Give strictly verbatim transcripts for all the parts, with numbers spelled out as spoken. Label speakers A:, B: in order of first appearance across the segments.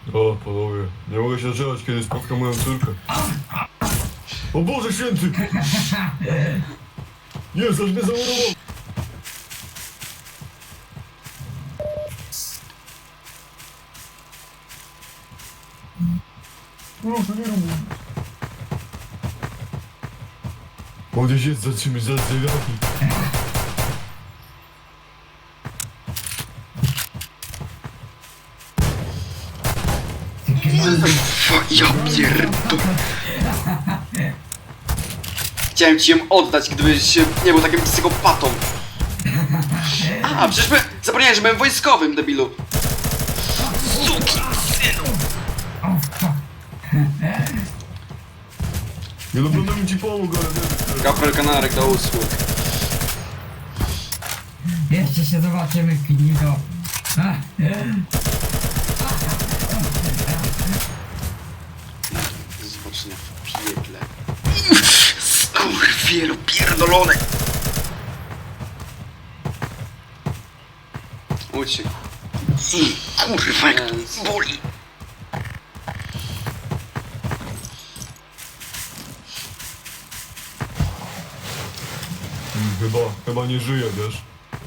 A: O, panowie, nie mogę się doczekać, kiedy spotkam moją córkę. O Boże Święty! Jest, aż mnie zamurował! Proszę, nie rób. On gdzieś jest, zatrzymać, za drzwiami.
B: Ja pierdolę. Chciałem ci ją oddać, gdybyś nie był takim psychopatą. A, przecież my... Zapomniałem, że byłem wojskowym, debilu. Suki, synu.
A: Nie no, będę ci pomógł, ale nie wiem.
B: Kapel Kanarek do usług.
C: Jeszcze się zobaczymy, Knito.
B: Zobaczenia w piekle. Skurwielu pierdolony. Uciekł. Kurwa, jak to boli.
A: Hmm, Chyba, chyba nie żyje, wiesz?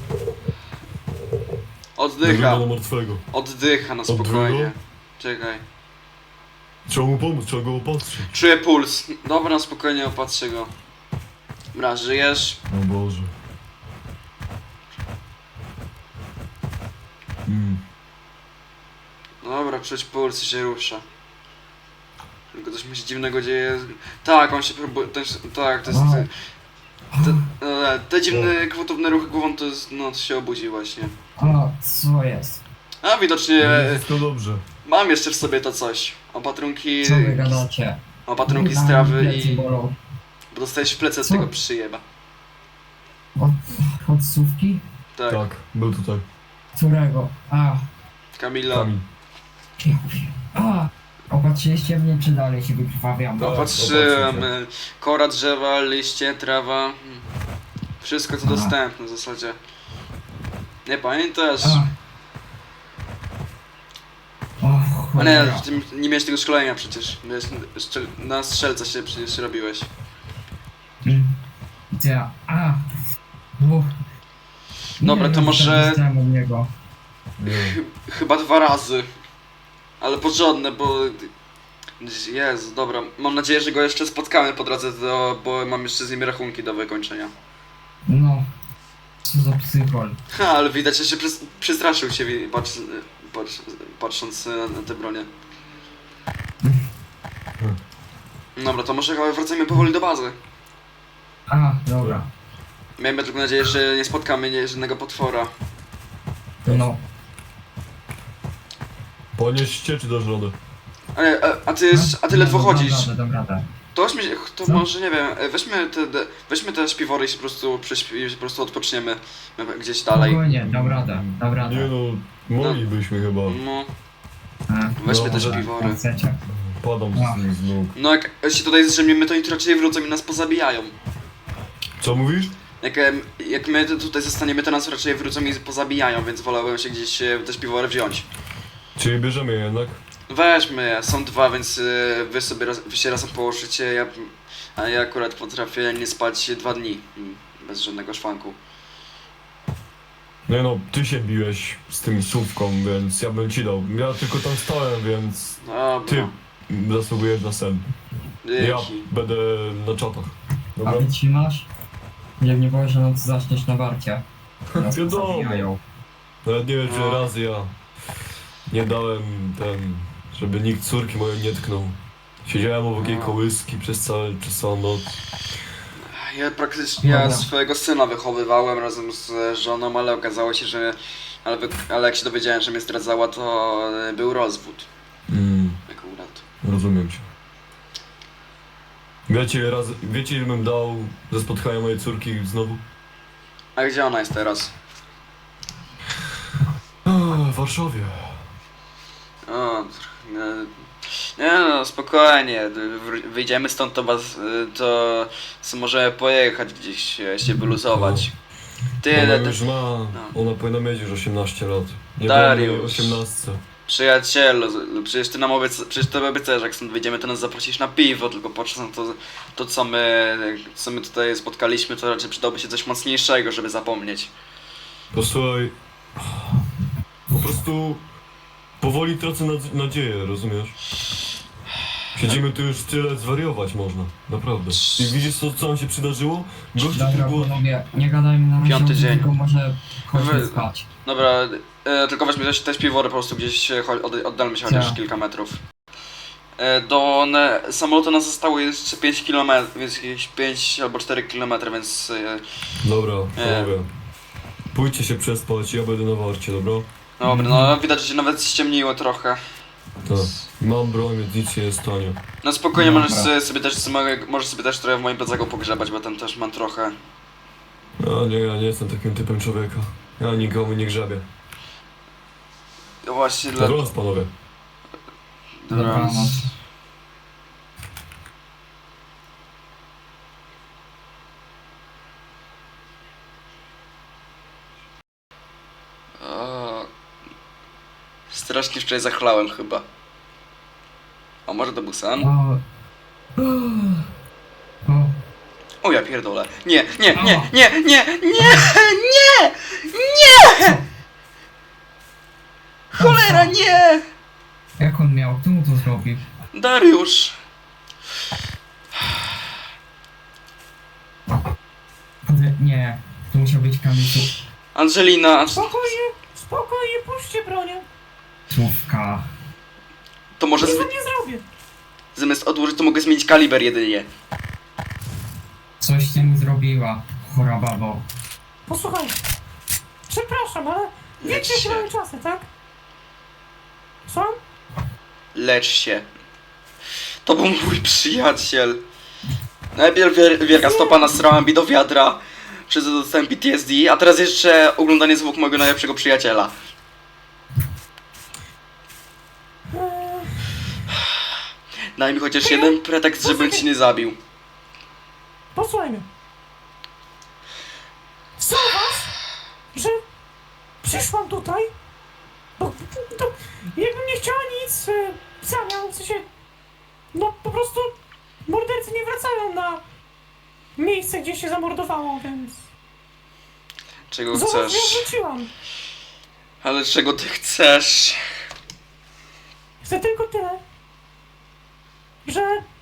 B: Oddycha.
A: Wygląda na martwego.
B: Oddycha na spokojnie. Czekaj.
A: Trzeba mu pomóc, trzeba go opatrzyć.
B: Czuję puls. Dobra, na spokojnie opatrzę go. Dobra, żyjesz?
A: O Boże. Mm.
B: Dobra, czuć puls i się rusza. Tylko coś mi się dziwnego dzieje. Tak, on się próbuje. Ten, tak, to jest. Te, e, te dziwne, gwałtowne ruchy głową to jest. No, to się obudzi właśnie.
C: O, co jest?
B: A widocznie. E,
A: Wszystko dobrze.
B: mam jeszcze w sobie to coś. Opatrunki.
C: Co wy gadacie?
B: Opatrunki
C: Kurwa,
B: strawy
C: plecy
B: i.
C: bolą.
B: Bo dostajesz w plecy od
C: Co?
B: tego przyjeba.
C: Od, od słówki?
B: Tak.
A: Tak, był tutaj.
C: Którego? A,
B: Kamila.
A: Kamil.
C: ja wiem. A, opatrzyliście mnie, czy dalej się wykrwawiam?
A: Tak.
B: Opatrzyłem.
A: opatrzyłem.
B: e, Kora drzewa, liście, trawa. mm, Wszystko co
C: Aha.
B: dostępne w zasadzie. Nie pamiętasz?
C: A. O,
B: A nie,
C: cholera.
B: ty nie miałeś tego szkolenia przecież. Miałeś strzel na strzelca się przecież robiłeś.
C: Mm. Ja, a. Uff.
B: Dobra,
C: Nie
B: to
C: wiem,
B: może-
C: co tam dostałem od niego.
A: Nie.
B: Chyba dwa razy. Ale porządne, bo... Jezu, dobra. Mam nadzieję, że go jeszcze spotkamy po drodze, do... bo mam jeszcze z nim rachunki do wykończenia.
C: No. Co za psychol.
B: Ha, ale widać, że się przys przestraszył się, wi- patrz, patrz, patrząc na, na te bronie. Dobra, to może chyba wracajmy powoli do bazy.
C: A, dobra.
B: Miejmy tylko nadzieję, że nie spotkamy nie- żadnego potwora.
C: No.
A: Ponieście czy dasz radę?
B: Ale, a, a ty, a ty ledwo
C: No,
B: chodzisz.
C: Dam radę, dam radę.
B: To weźmy, to
C: Co?
B: może nie wiem, e, weźmy te, te, weźmy te śpiwory i się po prostu, prześpi, po prostu odpoczniemy e, gdzieś dalej.
C: Spokojnie, dam radę, dam radę.
A: Nie no, moglibyśmy chyba.
B: No,
C: A,
B: weźmy
A: No,
B: te
A: może-
B: śpiwory.
C: jak chcecie.
A: Padam
C: No.
A: z nim z nóg.
B: No jak się tutaj zdrzemniemy, to oni tu raczej wrócą i nas pozabijają.
A: Co mówisz?
B: Jak, em, jak my tu- tutaj zostaniemy, to nas raczej wrócą i pozabijają, więc wolałbym się gdzieś e, te śpiwory wziąć.
A: Czyli bierzemy je jednak?
B: Weźmy je, są dwa, więc e, wy sobie raz, wy się razem położycie, ja, a ja akurat potrafię nie spać dwa dni mm, bez żadnego szwanku.
A: Nie no, ty się biłeś z tym słówką, więc ja bym ci dał. Ja tylko tam stałem, więc
B: Dobra,
A: ty zasługujesz na sen. Ja
B: dzięki.
A: będę na czatach.
C: A
A: Dobra?
C: wytrzymasz? Nie, nie boję, że noc zaczniesz na warcie. Nas
A: Wiadomo.
C: pozabijają.
A: Nawet nie wiem, czy
B: No.
A: raz ja nie dałem ten, żeby nikt córki mojej nie tknął. Siedziałem obok jej
B: No.
A: kołyski przez, całe, przez całą noc.
B: Ja praktycznie ja
C: Dobra.
B: swojego syna wychowywałem razem z żoną, ale okazało się, że... Ale, wy- ale jak się dowiedziałem, że mnie zdradzała, to e, był rozwód.
A: Mm,
B: Akurat.
A: rozumiem cię. Wiecie, raz, wiecie ile bym dał za spotkanie mojej córki znowu?
B: A gdzie ona jest teraz?
A: O, w Warszawie.
B: O, e, nie no, spokojnie, wr- wyjdziemy stąd, to, was, e, to s- możemy pojechać gdzieś, e, się wyluzować. Ty,
A: Ona
B: ty,
A: już ma, ona powinna mieć już osiemnaście lat. Nie
B: Dariusz.
A: byłem jej osiemnaście.
B: Przyjacielu, z- przecież ty nam obieca, przecież ty obiecałeś, że jak stąd wyjdziemy, to nas zaprosisz na piwo, tylko patrząc na to, to co my, co my tutaj spotkaliśmy, to raczej przydałoby się coś mocniejszego, żeby zapomnieć.
A: Posłuchaj, po prostu powoli tracę nadz- nadzieję, rozumiesz? Siedzimy tu już tyle, zwariować można, naprawdę. I widzisz co, co nam się przydarzyło? Gościu
C: Dobra,
A: tu było...
C: panowie, nie gadajmy na razie
B: Piąty
C: o tym,
B: dzień.
C: tylko może chodźmy
B: Wy-
C: spać.
B: Dobra, e, tylko weźmy też, też piwory po prostu gdzieś, e, cho- od, oddalmy się chociaż
C: Co?
B: kilka metrów. E, do ne, samolotu nas zostało jeszcze pięć kilometrów, więc jakieś pięć albo cztery kilometry, więc... E,
A: Dobra,
B: Nie.
A: panowie. Pójdźcie się przespać, ja będę na warcie, dobra?
B: dobra, no widać, że się nawet ściemniło trochę.
A: Tak. Mam broń, więc nic się nie stanie.
B: No spokojnie,
C: Dobra.
B: możesz sobie, sobie też, możesz sobie też trochę w moim plecaku pogrzebać, bo tam też mam trochę.
A: A nie, ja nie jestem takim typem człowieka. Ja nikomu nie grzebię.
B: No właśnie dla...
A: Dobranoc, panowie.
C: Dobranoc.
B: O, strasznie wczoraj zachlałem chyba. A może to był sen?
C: O. O.
B: O ja pierdolę. Nie, nie, nie, nie, nie, nie, nie, nie! Cholera, nie!
C: Jak on miał? Kto mu to zrobił?
B: Dariusz!
C: Kurde, nie. To musiał być Kamilu.
B: Angelina,
D: Spokojnie, spokojnie, puśćcie bronię.
C: Słówka.
B: to może
D: Nic
B: zmi-
D: wam nie zrobię.
B: zamiast odłożyć, to mogę zmienić kaliber jedynie.
C: Coś ty mi zrobiła, chora babo.
D: Posłuchaj. Przepraszam, ale
B: Lecz
D: wiecie, jakie
B: się.
D: mamy czasy, tak? Co?
B: Lecz się. To był mój przyjaciel. Najpierw wier- wielka stopa nasrała mi do wiadra, przez to dostałem P T S D, a teraz jeszcze oglądanie zwłok mojego najlepszego przyjaciela.
D: Eee,
B: Daj mi chociaż jeden pretekst, żebym ci nie zabił.
D: posłuchaj mnie. Zauważ, że przyszłam tutaj, bo to, jakbym nie chciała nic e, w zamian, w sensie, no po prostu mordercy nie wracają na miejsce, gdzie się zamordowało, więc
B: Czego
D: zobacz,
B: chcesz?
D: ja wróciłam.
B: Ale czego ty chcesz?
D: Chcę tylko tyle, że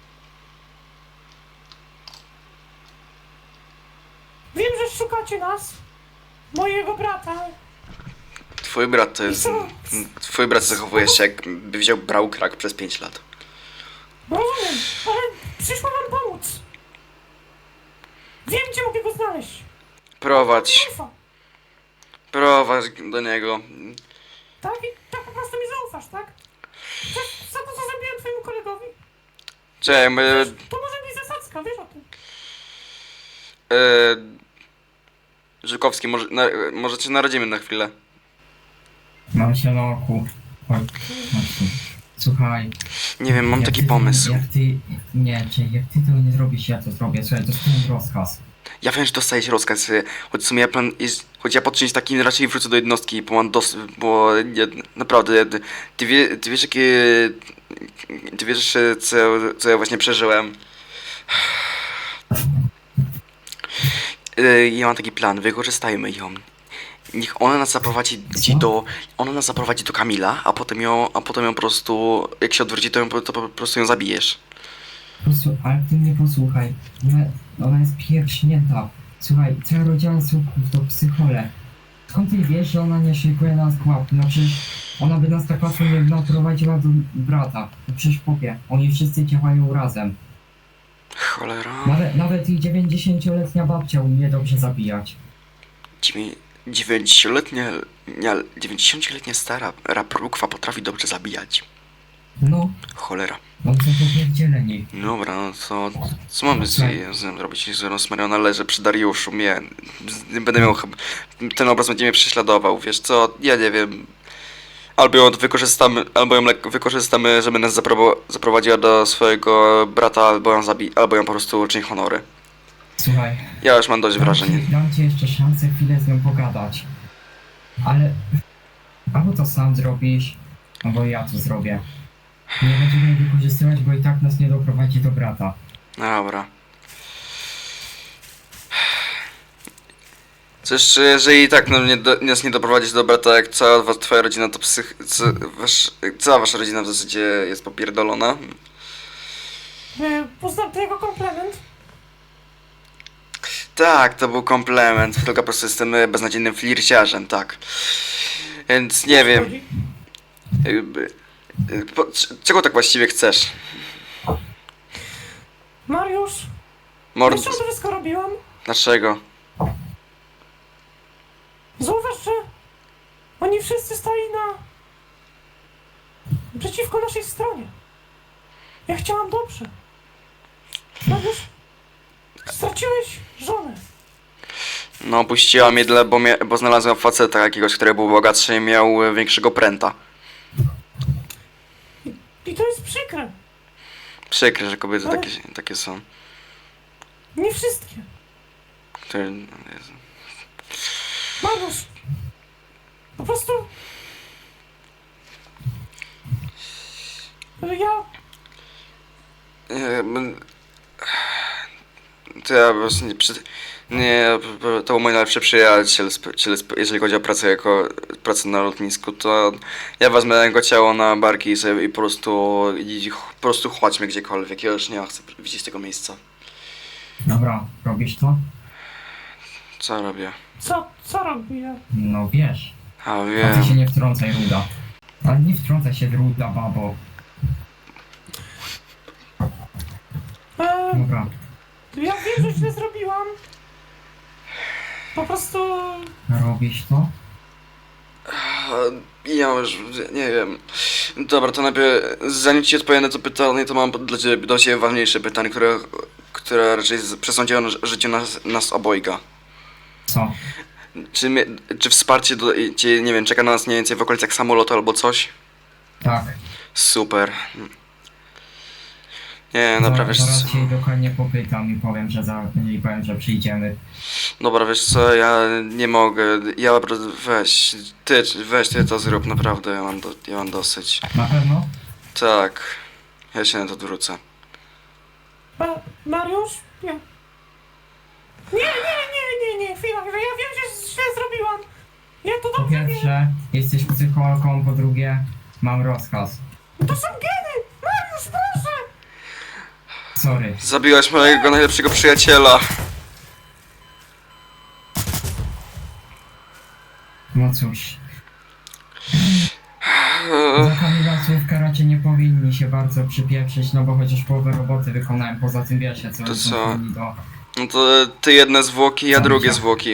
D: wiem, że szukacie nas, mojego brata.
B: Twój brat to jest... Twój brat zachowuje się jakby wziął brał krak przez pięć lat.
D: Rozumiem, ale przyszłam wam pomóc. Wiem, gdzie mogę go znaleźć.
B: Prowadź,
D: Mi ufa.
B: prowadź do niego.
D: Tak? I tak po prostu mi zaufasz, tak? Za, za to, co zrobiłem twojemu kolegowi?
B: Czekaj, my...
D: To może być zasadzka, wiesz o tym.
B: Yy, Żukowski, może, na, może cię narodzimy na chwilę.
C: Mam się na oku. Chodź, chodź tu. Słuchaj.
B: Nie wiem, mam
C: jak
B: taki
C: ty-
B: pomysł.
C: Jak ty... Nie, czy jak ty tego nie zrobisz, ja to zrobię. Słuchaj, to jest ten rozkaz.
B: Ja wiem, że dostajesz rozkaz, y, choć w sumie ja plan jest, choć ja po czymś takim raczej wrócę do jednostki, bo mam dos... bo nie, naprawdę, ty, ty, wie, ty wiesz jakie... Ty wiesz y, co, co ja właśnie przeżyłem. Y, Ja mam taki plan, wykorzystajmy ją. Niech ona nas zaprowadzi
C: Co?
B: do... Ona nas zaprowadzi do Kamila, a potem ją, a potem ją po prostu... Jak się odwróci, to, ją, to po prostu ją zabijesz.
C: Po prostu, ale ty mnie posłuchaj. Ona, ona jest pierśnięta. Słuchaj, cały rodzian słupków to psychole. Skąd ty wiesz, że ona nie szykuje nas pułap? No przecież ona by nas tak łatwo nie naprowadziła do brata. No przecież popie, oni wszyscy działają razem.
B: Cholera...
C: Nawet, nawet i dziewięćdziesięcioletnia babcia umie dobrze zabijać.
B: Dziewię- dziewięćdziesięcioletnia, nie, dziewięćdziesięcioletnia stara raprukwa potrafi dobrze zabijać.
C: No,
B: Cholera.
C: oni są popierdzieleni.
B: Dobra, no to co mamy z, z nią zrobić? Z Rosmariona leży przy Dariuszu, mnie. z- Będę miał chyba... Ten obraz będzie mnie prześladował, wiesz co? Ja nie wiem. Albo ją wykorzystamy, albo ją lek- wykorzystamy, żeby nas zapro- zaprowadziła do swojego brata, albo ją zabi- albo ją po prostu uczyni honory.
C: Słuchaj,
B: Ja już mam dość
C: dam
B: wrażeń.
C: ci, dam ci jeszcze szansę chwilę z nią pogadać. Ale... Albo to sam zrobisz, albo ja to zrobię. Nie będziemy jej wykorzystywać, bo i tak nas nie doprowadzi do brata.
B: Dobra. Przecież jeżeli i tak no, nie do, nas nie doprowadzić do brata, jak cała wa- twoja rodzina to psych... Co, wasz, cała wasza rodzina w zasadzie jest popierdolona.
D: E, Uznam to jako komplement.
B: Tak, to był komplement, tylko po prostu jestem e, beznadziejnym flirciarzem, tak. Więc nie wiem,
D: Chodzi.
B: jakby... e, Po, c- czego tak właściwie chcesz?
D: Mariusz,
B: Mord...
D: wiesz, czemu to wszystko robiłam?
B: Dlaczego?
D: Zauważ, że oni wszyscy stali na... przeciwko naszej stronie. Ja chciałam dobrze. Mariusz, straciłeś żonę.
B: No, puściła mnie, dla, bo, mia, bo znalazłem faceta jakiegoś, który był bogatszy i miał e, większego pręta.
D: I to jest przykre.
B: Przykre, że kobiety
D: Ale-
B: takie, takie są.
D: Nie wszystkie.
B: Które... no, Jezu.
D: Mariusz, po prostu... Ja...
B: Nie, m- to ja po prostu nie... Przy, nie, to był mój najlepszy przyjaciel, sp- ciel- sp- jeżeli chodzi o pracę jako pracę na lotnisku, to ja wezmę jego ciało na barki i, sobie, i po prostu i ch- po prostu chodźmy gdziekolwiek, ja już nie chcę widzieć tego miejsca.
C: Dobra, robisz to?
B: Co robię?
D: Co, co robię?
C: No wiesz.
B: A
C: A ty
B: wiem.
C: się nie wtrącaj, Ruda. Ale nie wtrącaj się, Ruda, babo.
D: E,
C: Dobra.
D: ja wiem, że źle zrobiłam. Po prostu...
C: Robisz to?
B: Ja już nie wiem. Dobra, to najpierw zanim ci odpowiem na to pytanie, to mam dla ciebie, do ciebie ważniejsze pytanie, które, które raczej z- przesądziło na życiu nas, nas obojga.
C: Co?
B: Czy, mnie, czy wsparcie do, cię, nie wiem, czeka na nas mniej więcej w okolicach samolotu albo coś?
C: Tak.
B: Super. Nie, dobra, wiesz
C: Zaraz
B: co.
C: się jej dokładnie popytam i powiem, że za... i powiem, że przyjdziemy.
B: Dobra, wiesz co, ja nie mogę. Ja po prostu, weź, ty, weź ty to zrób, naprawdę, ja mam, do, ja mam dosyć.
C: Na pewno?
B: Tak, ja się na to odwrócę.
D: Ma, Mariusz? Nie. Nie, nie, nie, nie, nie, chwila, chwila, ja wiem, że źle zrobiłam. Ja to
C: Po
D: dobrze wiem.
C: pierwsze, jesteś psychologą, po drugie, mam rozkaz.
D: To są geny! Mariusz, proszę!
C: Sorry.
B: Zabiłaś mojego najlepszego przyjaciela.
C: No cóż. Za kandydatów w karacie nie powinni się bardzo przypieprzyć, no bo chociaż połowę roboty wykonałem, poza tym wiesz, co
B: To
C: są
B: co?
C: powinni do...
B: No to ty jedne zwłoki, ja
C: Co
B: drugie
C: myślę?
B: zwłoki.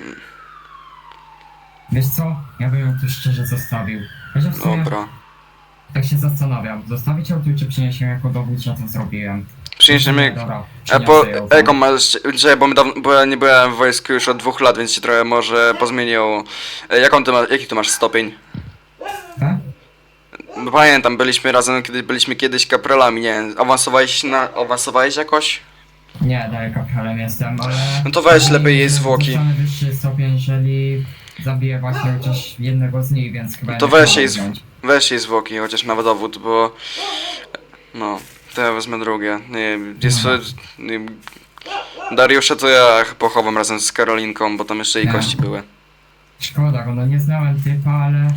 C: Wiesz co? Ja bym ją tu szczerze zostawił. Chociaż w sumie
B: Dobra.
C: tak się zastanawiam, zostawić ją tu czy przynieść ją jako dowód, że to zrobiłem?
B: Przyniesiemy...
C: Dobra,
B: A
C: przyniosę
B: po,
C: ją.
B: jaką masz, że bo, my dawno, bo ja nie byłem w wojsku już od dwóch lat, więc się trochę może pozmieniło. E, Jaką ty masz, jaki tu masz stopień?
C: E?
B: Bo pamiętam, byliśmy razem, kiedy byliśmy kiedyś kapralami, nie wiem, awansowałeś na, awansowałeś jakoś?
C: Nie, dalej kapitalem jestem, ale...
B: No to weź lepiej jej zwłoki.
C: Dostanę wyższy stopień, jeżeli zabiję właśnie chociaż jednego z nich, więc chyba...
B: To
C: nie
B: weź
C: chcę
B: jej,
C: wziąć.
B: zw- weź jej zwłoki, chociaż na dowód, bo... No, to ja wezmę drugie. Nie, jest, nie, Dariusza to ja pochowam razem z Karolinką, bo tam jeszcze jej
C: Nie.
B: kości były.
C: Szkoda, bo no nie znałem typa, ale...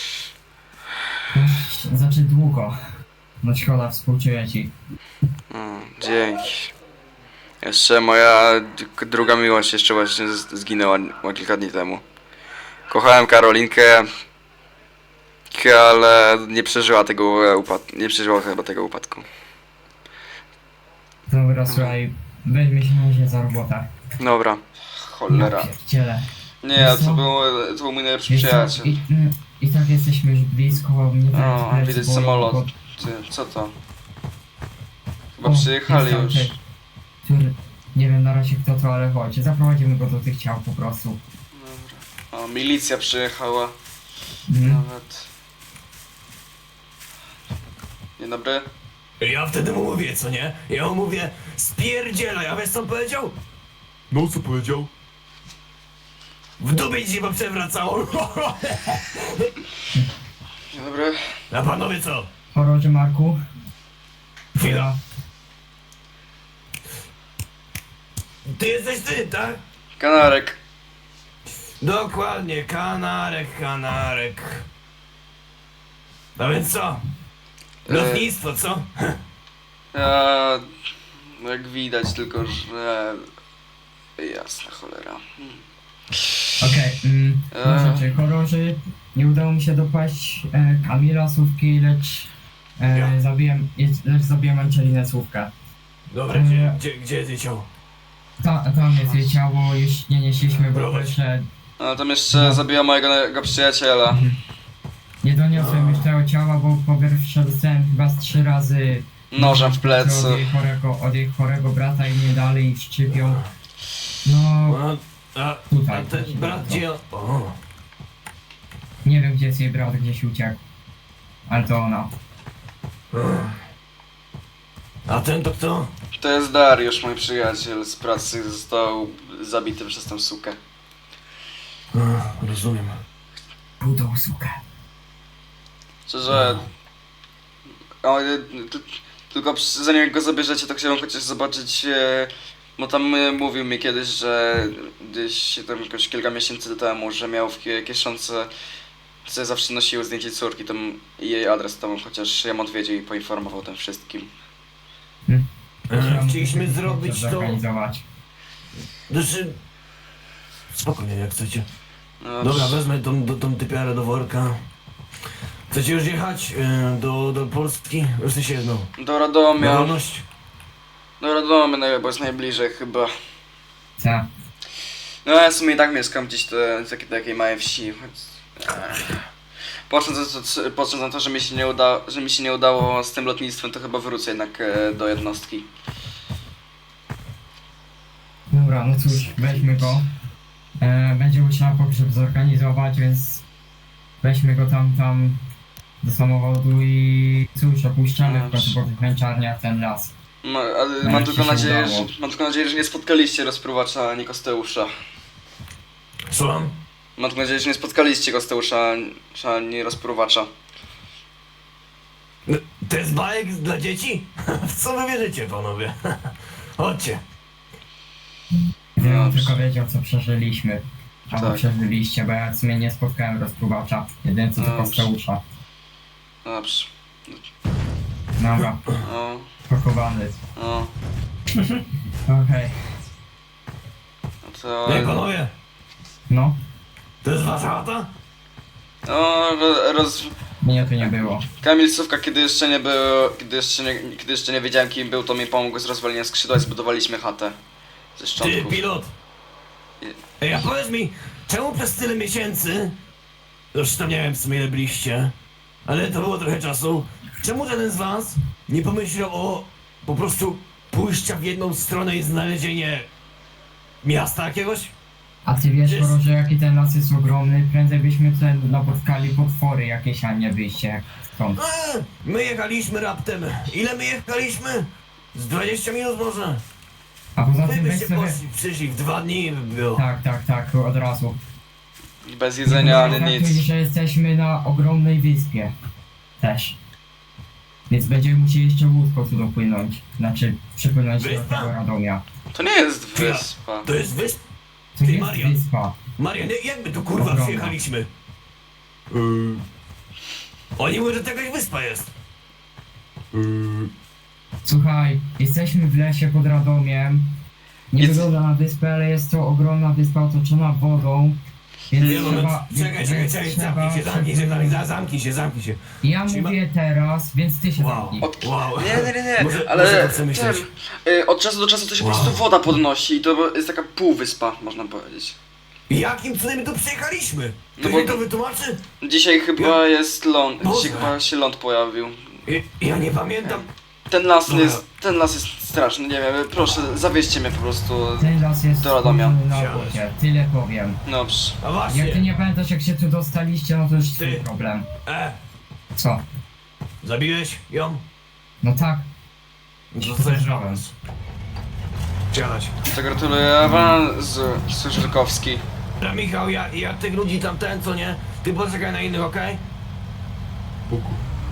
C: Ech, Znaczy długo. No szkoda, współczuję ci.
B: No, dzięki. Jeszcze moja d- druga miłość jeszcze właśnie z- zginęła ma kilka dni temu. Kochałem Karolinkę, ale nie przeżyła tego upadku. Nie przeżyła chyba tego upadku.
C: Dobra, słuchaj, weźmy się na razie za robotę.
B: Dobra. Cholera.
C: Ja pierdzielę.
B: Nie, to był, to był mój najlepszy
C: Wiesz co,
B: przyjaciel.
C: i, mm, I tak jesteśmy już blisko, nie wiem,
B: O,
C: plecy,
B: widać
C: bo-
B: samolot.
C: bo-
B: Ty, co to? Chyba
C: o,
B: przyjechali
C: jest
B: już.
C: tamten, Który, nie wiem na razie kto to, ale chodź, zaprowadzimy go do tych ciał po prostu.
B: O, milicja przyjechała.
C: Mm.
B: Nawet. Dzień dobry.
E: Ja wtedy mu mówię, co nie? Ja mu mówię, spierdzielaj, a wiesz co on powiedział?
A: No co powiedział?
E: W dupie ci się przewracało.
B: Dzień dobry.
E: A panowie co?
C: Chororze Marku.
E: Chwila. Ty jesteś ty, tak?
B: Kanarek.
E: Dokładnie, kanarek, kanarek. No więc co? Lotnictwo, co?
B: Ja... Jak widać, tylko że... Jasna cholera. Hmm.
C: Okej, mm,
B: Eee.
C: no rzeczy, chororzy. Nie udało mi się dopaść e, Kamila Słówki, lecz e,
E: Ja.
C: zabiłem, lecz zabiłem Angelinę Słówkę.
E: Dobra, gdzie, gdzie, gdzie jest jej ciało?
C: Ta, tam jest jej ciało, już nie nieśliśmy, bo
E: Prowadź.
C: jeszcze
B: A tam jeszcze zabiła mojego jego przyjaciela.
C: nie doniosłem już tego ciała, bo po pierwsze dostałem chyba z trzy razy
B: Nożem w
C: od
B: plecy.
C: jej chorego, od jej chorego brata i mnie dalej szczypią. No,
E: A, a,
C: Tutaj.
E: a ten brat gdzie... O,
C: nie wiem gdzie jest jej brat, gdzieś uciekł. Ale to ona.
E: a ten to kto?
B: To jest Dariusz, mój przyjaciel z pracy, został zabity przez tę sukę.
E: A, rozumiem.
C: Budą sukę.
B: Szczerze... O, y, t- tylko przy- zanim go zabierzecie, to chciałem chociaż zobaczyć... E, bo tam e, mówił mi kiedyś, że gdzieś tam jakoś kilka miesięcy temu, że miał w kie- kieszonce... Co zawsze nosiły zdjęcie córki, tam i jej adres tam, chociaż ja mu odwiedził i poinformował o tym wszystkim.
E: E, Chcieliśmy zrobić to...
C: Zorganizować.
E: Znaczy... Spokojnie, jak chcecie.
B: No,
E: Dobra, wezmę tą, tą, tą typiarę do worka. Chcecie już jechać e, do, do Polski? W sensie, no,
B: do Radomia.
E: na wolność?
B: Do Radomia, no, bo jest najbliżej chyba.
C: Co?
B: No ja w sumie i tak mieszkam gdzieś te, w takiej, takiej małej wsi. choć- Ech. Patrząc na to, patrząc na to, że mi się nie uda, że mi się nie udało z tym lotnictwem, to chyba wrócę jednak e, do jednostki.
C: Dobra, no cóż, weźmy go. E, będzie musiała pogrzeb zorganizować, więc weźmy go tam, tam do samochodu i cóż, opuszczamy w końcu po tych męczarniach ten las.
B: Ma, ale
C: No,
B: mam
C: jak
B: tylko
C: ci się
B: nadzieję, że,
C: udało.
B: mam tylko nadzieję, że nie spotkaliście rozpruwacza ani Kosteusza.
E: Słucham?
B: Mam tylko nadzieję, że nie spotkaliście Kosteusza ani rozpruwacza.
E: No, to jest bajek dla dzieci? W co wy wierzycie, panowie? Chodźcie.
C: Gdybym
B: Dobrze.
C: tylko wiedział, co przeżyliśmy. Albo
B: Tak.
C: przeżyliście, bo ja w sumie nie spotkałem rozpruwacza. Jedyne co tylko
B: Dobrze.
C: Steusza.
B: Dobrze.
C: Dobra,
B: O,
C: pakowany.
B: o,
C: Okej,
B: no to...
E: Ej, panowie,
C: no,
E: to jest wasza chata?
B: O, ro- roz...
C: mnie tu nie było.
B: Kamil Sówka, kiedy jeszcze nie był, kiedy jeszcze nie, kiedy jeszcze nie wiedziałem kim był, to mi pomógł z rozwaleniem skrzydła i zbudowaliśmy chatę. Ze
E: Ty,
B: szczątków.
E: pilot! Ej, a powiedz mi, czemu przez tyle miesięcy, już tam nie wiem w sumie ile byliście, ale to było trochę czasu, czemu żaden z was nie pomyślał o po prostu pójścia w jedną stronę i znalezienie miasta jakiegoś?
C: A ty wiesz,
E: Jest-
C: Boro, że jaki ten las jest ogromny, prędzej byśmy tutaj napotkali potwory jakieś, a nie wyjście stąd.
E: Eee, my jechaliśmy raptem, ile my jechaliśmy? Z dwadzieścia minut może?
C: A poza
E: Wy
C: tym weź
E: byście
C: sobie...
E: poszli, przyszli w dwa dni by było.
C: Tak, tak, tak, od razu.
B: Bez jedzenia ani
C: Nie
B: nic.
C: traktuj, że jesteśmy na ogromnej wyspie. Też. Więc będziemy musieli jeszcze łódką tu dopłynąć. Znaczy, przypłynąć do
E: Wyspa?
C: tego Radomia.
B: To nie jest
E: Chwila.
B: wyspa.
E: To jest wysp...
C: To
E: Ty,
C: jest
E: Marian.
C: wyspa.
E: Marian, jak my tu kurwa
C: Ogromna.
E: przyjechaliśmy?
A: Yy,
E: Oni mówią, że to jakaś wyspa jest.
A: yy,
C: Słuchaj, jesteśmy w lesie pod Radomiem. Nie
B: Jest-
C: wygląda na wyspę, ale jest to ogromna wyspa otoczona wodą. Więc
E: Nie, moment,
C: trzeba...
E: czekaj, czekaj,
C: więc
E: czekaj,
C: trzeba
E: zamknij się, zamknij się, zamknij,
C: przepłynąć.
E: zamknij się, zamknij się.
C: Ja
E: Czyli ma-
C: mówię teraz, więc ty się
E: Wow.
C: zamknij.
B: Od...
E: Wow.
B: Nie, nie, nie, nie.
E: Może- może
B: ale
E: to chcę myśleć.
B: ten, y, od czasu do czasu to się
E: Wow.
B: po prostu woda podnosi i to jest taka półwyspa, można powiedzieć.
E: Jakim cudem my tu przyjechaliśmy?
B: No
E: Ktoś
B: bo-
E: mi to wytłumaczy?
B: Dzisiaj chyba jest ląd,
E: Boże.
B: dzisiaj chyba się ląd pojawił.
E: Ja, ja nie pamiętam.
B: Ten las
E: Dobra.
B: jest, ten las jest straszny, nie wiem, proszę, zawieźcie mnie po prostu.
C: Ten las jest
B: Do Radomia.
C: stworzony na
E: Siadać.
C: wodzie, tyle powiem.
B: Dobrze.
E: A
C: Jak ty
E: właśnie.
C: nie pamiętasz jak się tu dostaliście, no to już twój
E: Ty.
C: problem.
E: E,
C: Co?
E: zabiłeś ją?
C: No tak,
E: Dostajesz awans. Siadać.
B: To gratuluję awansu, Żyrkowski.
E: Dobra, Michał, ja, ja tych ludzi tam ten, co nie? Ty poczekaj na innych, okej?
A: spoko.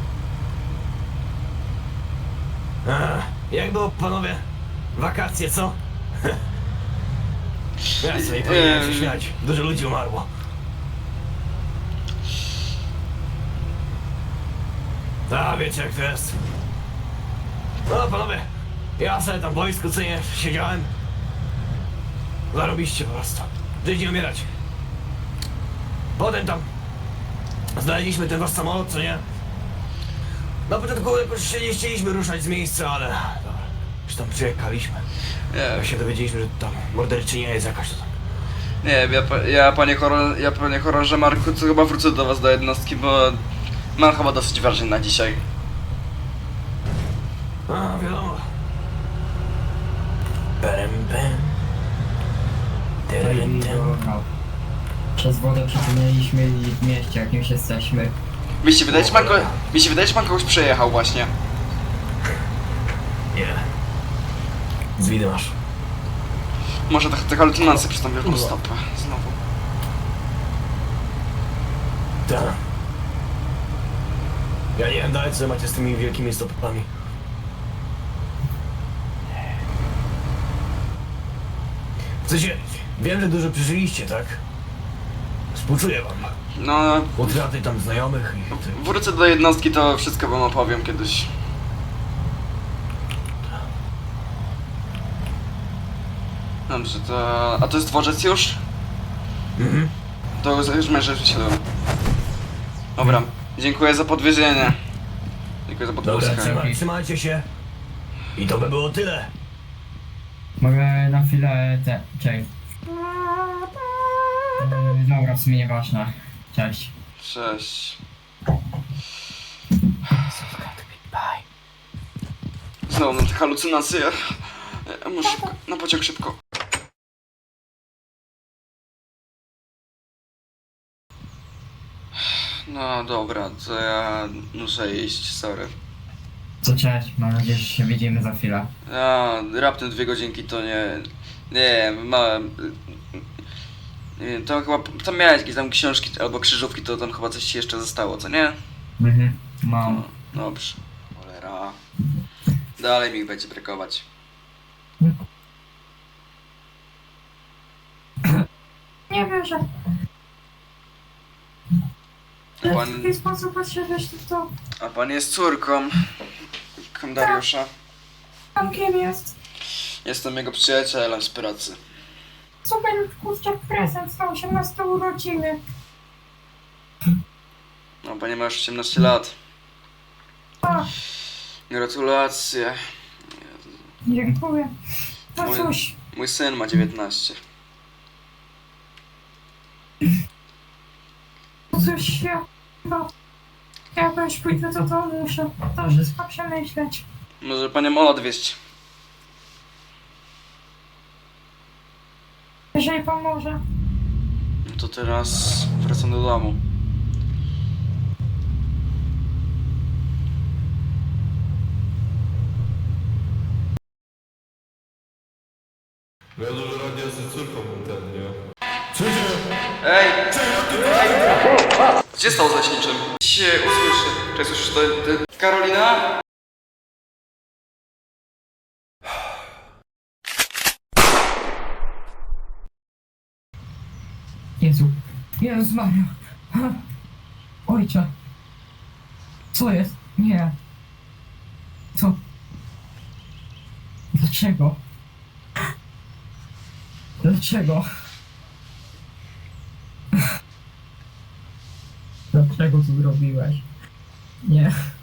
E: Jak było, panowie? Wakacje, co? Ja sobie powinienem się
B: Ehm.
E: śmiać. Dużo ludzi umarło. A, wiecie jak to jest. No, panowie, ja sobie tam w wojsku, co nie, siedziałem. Zarobiście po prostu. Żyć nie umierać. Potem tam znaleźliśmy ten wasz samolot, co nie? Na początku jakoś się nie chcieliśmy ruszać z miejsca, ale dobra, już tam przyjechaliśmy.
B: Nie,
E: Jak się dowiedzieliśmy, że tam morderczynia jest jakaś, to tam.
B: nie wiem, ja, pa- ja panie chorąże, ja panie chorąże Marku, to chyba wrócę do was do jednostki, bo mam chyba dosyć ważny na dzisiaj.
E: A, wiadomo. Perem, pem. Terem, tem.
C: Dobra. Przez wodę przepłynęliśmy i w mieście jakimś jesteśmy.
B: Mi się wydaje, że pan, ko- mi się wydaje, że pan kogoś przejechał właśnie.
E: Nie. Z widy masz.
B: Może te, te halucynacje przez tą wielką stopę. Znowu.
E: Tak. Ja nie wiem dalej, co macie z tymi wielkimi stopami. W sensie, wiem, że dużo przeżyliście, tak? Współczuję wam.
B: No,
E: Utraty tam znajomych i... ty-
B: wrócę do jednostki, to wszystko wam opowiem kiedyś. Dobrze, to... A to jest dworzec już?
E: Mhm.
B: To już już mnie wyślę. Dobra, dziękuję za podwiezienie. Dziękuję za
E: Dobra,
B: podwózkę.
E: trzyma, trzymajcie się. I to by było tyle.
C: Mogę na chwilę te... Czekaj. Yy, dobra, w sumie nieważne. Cześć.
B: Cześć. Znowu mam te halucynacje. Ja muszę szybko, na pociąg szybko. No dobra, to ja muszę iść, sorry.
C: Co cześć, mam nadzieję, że się widzimy za chwilę.
B: A, raptem dwie godzinki to nie... Nie, małem... Nie wiem, tam chyba... Tam miałeś jakieś tam książki albo krzyżówki, to tam chyba coś ci jeszcze zostało, co nie?
C: Mhm, mam.
B: No, dobrze. Cholera. Dalej mi ich będzie brakować.
D: Nie wierzę.
B: A
D: W
B: pan,
D: taki sposób podszedłeś w to.
B: a pan jest córką Kondariusza.
D: Pan kim jest?
B: Jestem jego przyjacielem z pracy.
D: Super kurczak prezent na osiemnaste urodziny.
B: No, panie ma już osiemnaście lat.
D: A,
B: Gratulacje.
D: dziękuję. No
B: Mój-
D: cóż,
B: Mój syn ma dziewiętnaście.
D: no cóż, ja chyba... Ja też pójdę do domu, muszę to wszystko przemyśleć.
B: Może panią Ola odwieźć.
D: Jeżeli pan może.
B: No to teraz wracam do domu.
A: No ja dużo radia z córką mam ten, nie?
B: Ej! Ej! Gdzie stał z leśniczym? Się usłyszy. Czy słyszysz to? to- Karolina?
C: Jezu. Jezus Maria. Ha. Ojcze. Co jest? Nie. Co? Dlaczego? Dlaczego? Dlaczego to zrobiłeś? Nie.